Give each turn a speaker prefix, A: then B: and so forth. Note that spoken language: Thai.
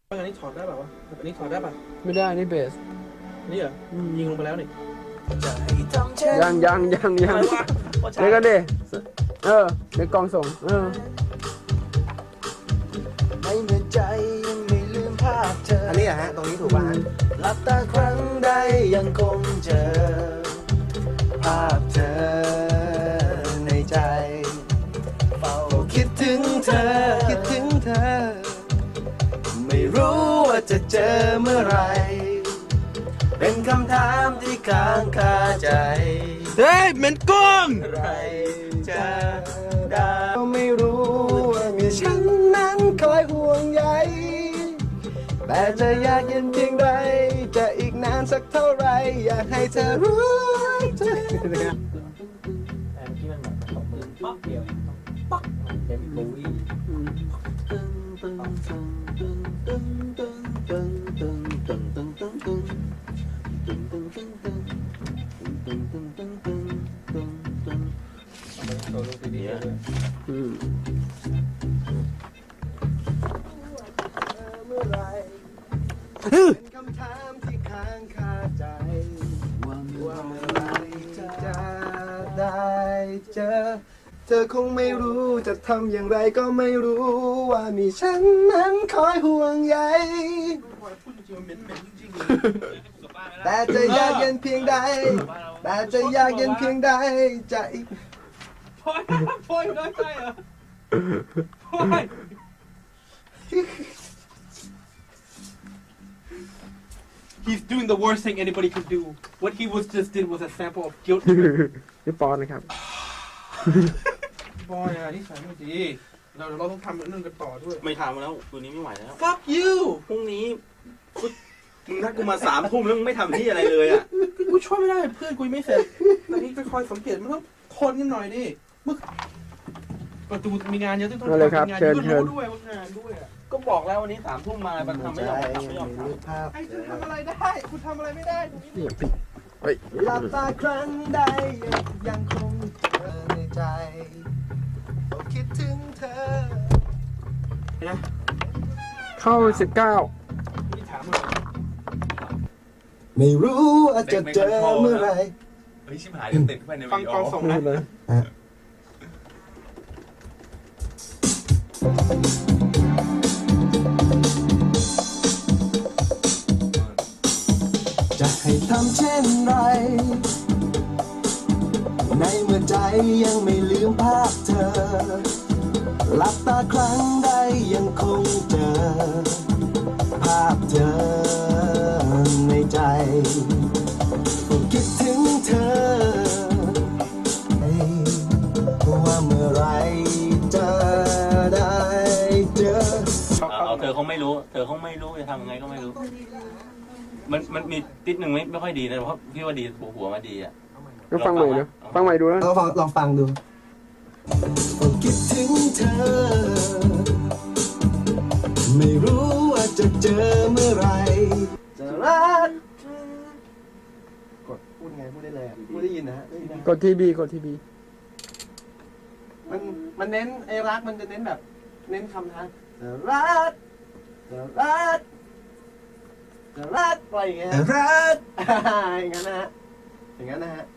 A: อันนี้ถอดได้ป่าวะอันนี้ถอดได้ป่ะ
B: ไม่ได้นี่เบส
A: นี่เหรอยิงลงไปแล้วนี่
B: ยังเดี๋ยวกันดิเดี๋ยวกองส่ง
C: ในเมื่อใจยังไม่ลืมภาพเธออันนี้อะฮะตรงนี้ถูกป่ะฮะหลับตาครั้งใดยังคงเจอภาพเธอในใจเฝ้าคิดถึงเธอไม่รู้ว่าจะเจอเมื่อไรเป็นคำถามที่ค้างคาใจ
A: เฮ้ยเหม็นก้ง
C: ไรจะได้ไม่รู้ว่ามีฉันนั้นคอยห่วงใยแต่จะยากเย็นเพียงใดจะอีกนานสักเท่าไรอยากให้เธอรู้ใจ
A: แต่เมื่อกี้มันแบบตบมือป๊อกเดียวป๊อกเต็มปุ้ย
C: เป็นคำถามที่ค้างคาใจว่าเมื่อไรจะได้เจอเธอคงไม่รู้จะทำอย่างไรก็ไม่รู้ว่ามีฉันนั้นคอยห่วงใยแต่จะยากเย็นเพียงใดจะอีก
A: พอยน้อยใจเหรอพอย He's doing the worst thing anybody could do. What he just did was a sample of guilt.
B: นี่ปอนนะครับ
A: บอยอะนี่ใส่ไม่ดีเราต้องทำเรื่องกันต่อด้วย
D: ไม่ทำแล้วตัวนี้ไม่ไหวแล้ว
A: Fuck you
D: พรุ่งนี้มึงนัดกูมา3 ทุ่มแล้วมึงไม่ทำที่อะไรเลยอ่ะ
A: กูช่วยไม่ได้เพื่อนกูไม่เสร็จตอนนี้ไปคอยสังเกตมันต้องทนกันหน่อยดิมึงประตูมีงานเยอะต้องทำงานรู้ด้วยว่างานด้วยอ่ะ
D: ก็บอกแล้ววันนี้3 ทุ่มมามันทำไม่ยอม
C: ภาพ
A: ไอ้คุณทำอะไรได้คุณทำอะไรไม่ได้ตรงนี้
C: หลับตาครั้งใดยังคงเธอในใจคิดถึงเธอ
A: นะ
B: เข้า19
A: นี่ถามเลย
C: ไม่รู้ว่าจะเจอเมื่อไร
D: เฮ้ยชิบหายจะติดเข้าไปใน
A: ฟังกองส่งนะ
C: จะให้ทำเช่นไรในเมื่อใจยังไม่ลืมภาพเธอหลับตาครั้งใดยังคงเจอภาพเธอในใจคิดถึงเธอว่าเมื่อไรจะได้เจอ
D: เธอคงไม่รู้จะทำยังไงก็ไม่รู้มันมีติดหนึ่งไม่ค่อยดีนะเพราะพี่ว่าดีหัวมาดีอ่ะ
B: ก็ฟังใหม่ดูฟังใหม่ดูแล้ว
C: ลองฟังดูคิดถึงเธอไม่รู้ว่าจะเจอเมื่อไรจะรักกดพูดไงพูดได้เลยพูดได้ยินนะ
B: กดทีบี
C: มันเน้นไอ้รักมันจะเน้นแบบเน้นคำท้าจะรักอะไรอย่างเงี้ยรักอย่างนั้นนะฮะ